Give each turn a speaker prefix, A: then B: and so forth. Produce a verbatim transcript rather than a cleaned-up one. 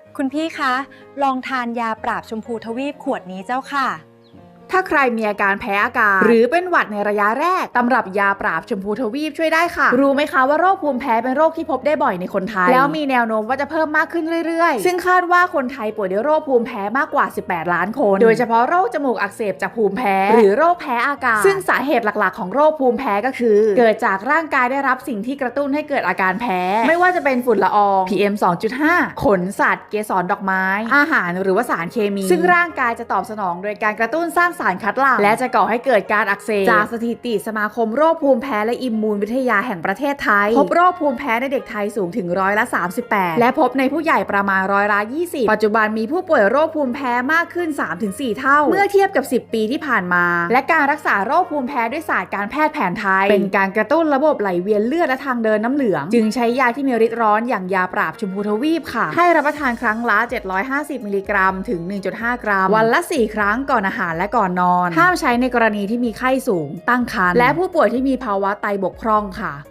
A: คุณพี่คะลองทานยาปราบชมพูทวีปขวดนี้เจ้าค่ะ
B: ถ้าใครมีอาการแพ้อากาศหรือเป็นหวัดในระยะแรกตำรับยาปราบชมพูทวีปช่วยได้ค่ะรู้ไหมคะว่าโรคภูมิแพ้เป็นโรคที่พบได้บ่อยในคนไทยแล้วมีแนวโน้มว่าจะเพิ่มมากขึ้นเรื่อยๆซึ่งคาดว่าคนไทยป่วยด้วยโรคภูมิแพ้มากกว่าสิบแปดล้านคนโดยเฉพาะโรคจมูกอักเสบจากภูมิแพ้หรือโรคแพ้อากาศซึ่งสาเหตุหลักๆของโรคภูมิแพ้ก็คือเกิดจากร่างกายได้รับสิ่งที่กระตุ้นให้เกิดอาการแพ้ไม่ว่าจะเป็นฝุ่นละออง พี เอ็ม สองจุดห้า ขนสัตว์เกสรดอกไม้อาหารหรือว่าสารเคมีซึ่งร่างกายจะตอบสนองโดยการกระตุ้นสร้างสารคัดหลั่งและจะก่อให้เกิดการอักเสบจากสถิติสมาคมโรคภูมิแพ้และอิมมูนวิทยาแห่งประเทศไทยพบโรคภูมิแพ้ในเด็กไทยสูงถึงร้อยละสามสิบแปดและพบในผู้ใหญ่ประมาณร้อยละยี่สิบปัจจุบันมีผู้ป่วยโรคภูมิแพ้มากขึ้น สามถึงสี่ เท่าเมื่อเทียบกับสิบปีที่ผ่านมาและการรักษาโรคภูมิแพ้ด้วยศาสตร์การแพทย์แผนไทยเป็นการกระตุ้นระบบไหลเวียนเลือดและทางเดินน้ำเหลืองจึงใช้ยาที่มีฤทธิ์ร้อนอย่างยาปราบชมพูทวีปค่ะให้รับประทานครั้งละเจ็ดร้อยห้าสิบมิลลิกรัมถึง หนึ่งจุดห้า กรัมวันละสี่ครั้งก่อนอาหารและก่อนนอนห้ามใช้ในกรณีที่มีไข้สูงตั้งครรภ์และผู้ป่วยที่มีภาวะไตบกพร่องค่ะ